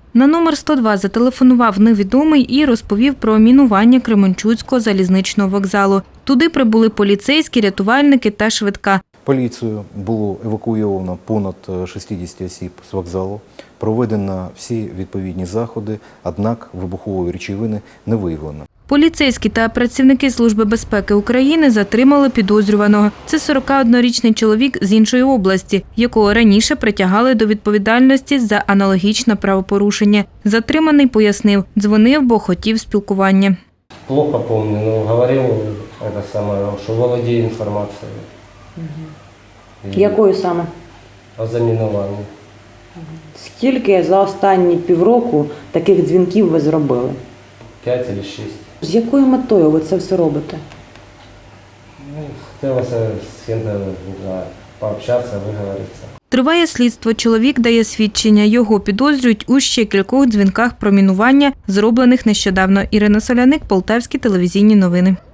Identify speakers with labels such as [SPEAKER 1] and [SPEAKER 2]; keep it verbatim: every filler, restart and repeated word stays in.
[SPEAKER 1] На номер сто два зателефонував невідомий і розповів про мінування Кременчуцького залізничного вокзалу. Туди прибули поліцейські, рятувальники та швидка.
[SPEAKER 2] Поліцію було евакуйовано понад шістдесят осіб з вокзалу, проведено всі відповідні заходи, однак вибухової речовини не виявлено.
[SPEAKER 1] Поліцейські та працівники Служби безпеки України затримали підозрюваного. Це сорокаоднорічний чоловік з іншої області, якого раніше притягали до відповідальності за аналогічне правопорушення. Затриманий пояснив, дзвонив, бо хотів спілкування.
[SPEAKER 3] Плохо помню, но говорил, это самое, что володею информацией.
[SPEAKER 4] Угу. Якою саме?
[SPEAKER 3] О замінуванні.
[SPEAKER 4] Скільки за останні півроку таких дзвінків ви зробили?
[SPEAKER 3] П'ять або шість.
[SPEAKER 4] З якою метою ви це все робите?
[SPEAKER 3] Ну, хотілося з ким-то пообщатися, виговоритися.
[SPEAKER 1] Триває слідство. Чоловік дає свідчення. Його підозрюють у ще кількох дзвінках про мінування, зроблених нещодавно. Ірина Соляник, Полтавські телевізійні новини.